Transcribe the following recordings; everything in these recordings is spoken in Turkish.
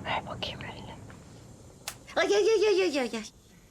Ver bakayım elini. Ay ay ay ay ay ay. Ay.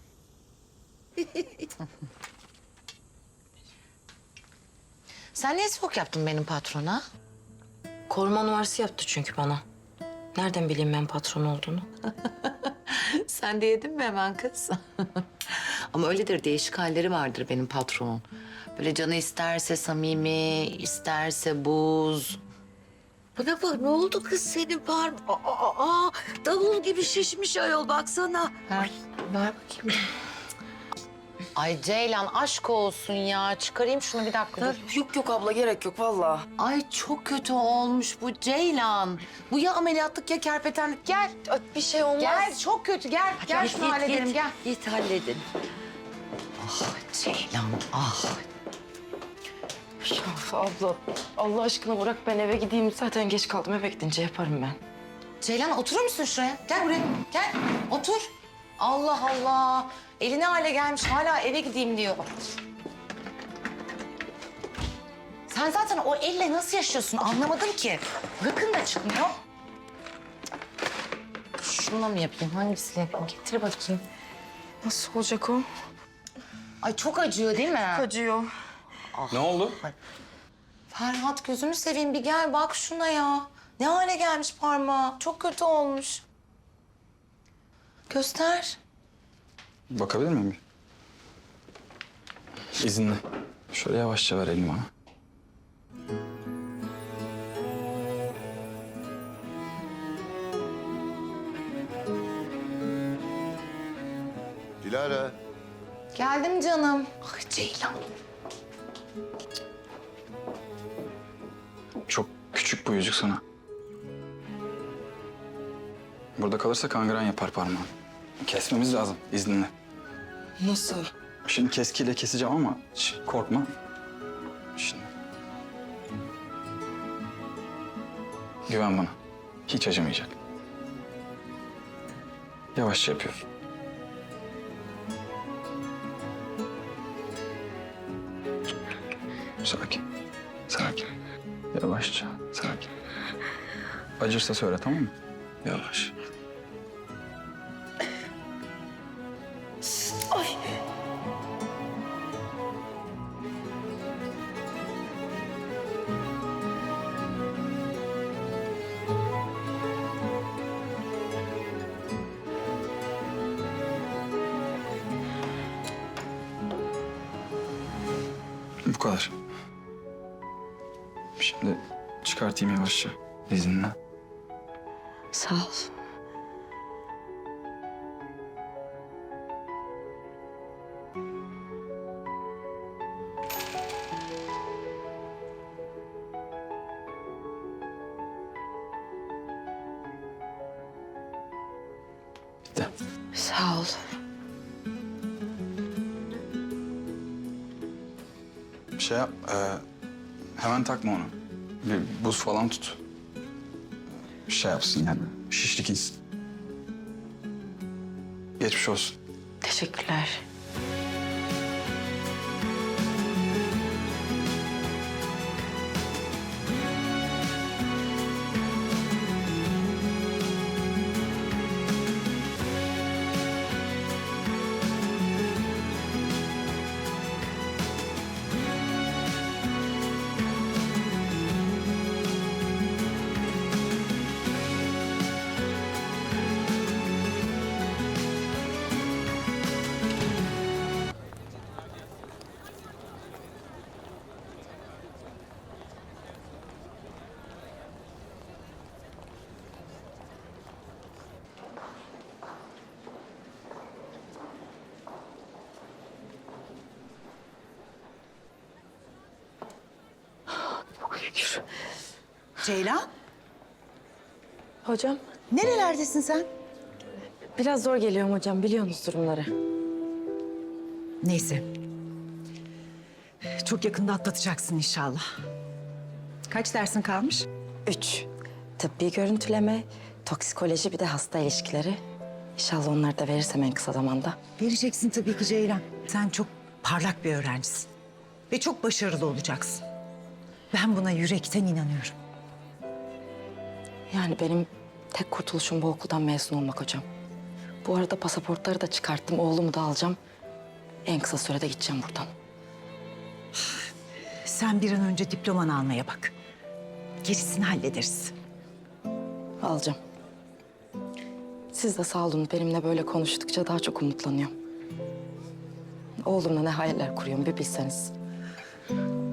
Sen niye soğuk yaptın benim patrona? Koruma numarası yaptı çünkü bana. Nereden bileyim ben patron olduğunu? Sen de yedin mi hemen kız? Ama öyledir, değişik halleri vardır benim patronun. Böyle canı isterse samimi, isterse buz. Bana bak, ne oldu kız senin parmağın? Davul gibi şişmiş ayol, baksana. Ver bakayım. Ay Ceylan aşk olsun ya. Çıkarayım şunu bir dakika dur. Yok yok abla gerek yok vallahi. Ay çok kötü olmuş bu Ceylan. Bu ya ameliyatlık ya kerpetenlik. Gel. Bir şey olmaz. Gel çok kötü gel. Gel şunu halledelim gel. Git halledin. Ah Ceylan ah. Of abla Allah aşkına bırak ben eve gideyim. Zaten geç kaldım, eve gidince yaparım ben. Ceylan oturur musun şuraya? Gel buraya. Gel. Otur. Allah Allah. Eli ne hale gelmiş hala eve gideyim diyor. Sen zaten o elle nasıl yaşıyorsun anlamadım ki. Gıkın da çıkmıyor. Şununla mı yapayım? Hangisiyle yapayım? Getir bakayım. Nasıl olacak o? Ay çok acıyor değil mi? Acıyor. Ne oldu? Ferhat gözünü seveyim bir gel bak şuna ya. Ne hale gelmiş parmağı. Çok kötü olmuş. Göster. Bakabilir miyim? İzinle. Şöyle yavaşça ver elini bana. Dilara. Geldim canım. Ah Ceylan. Çok küçük bu yüzük sana. Burada kalırsa kangren yapar parmağın. Kesmemiz lazım izninle. Nasıl? Şimdi keskiyle keseceğim ama korkma. Şimdi. Güven bana. Hiç acımayacak. Yavaşça yapıyorum. Sakin. Sakin. Yavaşça. Sakin. Acırsa söyle tamam mı? Yavaş. Bu kadar. Şimdi çıkartayım yavaşça izinle. Sağ ol. Bitti. Sağ ol. Şey yap, hemen takma onu. Bir buz falan tut. Şey yapsın yani, şişlik insin. Geçmiş olsun. Teşekkürler. Ceylan, Hocam nerelerdesin sen? biraz zor geliyorum hocam, biliyorsunuz durumları. Neyse. Çok yakında atlatacaksın inşallah. Kaç dersin kalmış? 3. Tıbbi görüntüleme, toksikoloji, bir de hasta ilişkileri. İnşallah onları da verirsem en kısa zamanda. Vereceksin tabii ki Ceylan. Sen çok parlak bir öğrencisin. Ve çok başarılı olacaksın. Ben buna yürekten inanıyorum. Yani benim Tek kurtuluşum bu okuldan mezun olmak hocam. Bu arada pasaportları da çıkarttım. Oğlumu da alacağım. En kısa sürede gideceğim buradan. Sen bir an önce diplomanı almaya bak. Gerisini hallederiz. Alacağım. Siz de sağ olun. Benimle böyle konuştukça daha çok umutlanıyorum. Oğlumla ne hayaller kuruyorum bir bilseniz.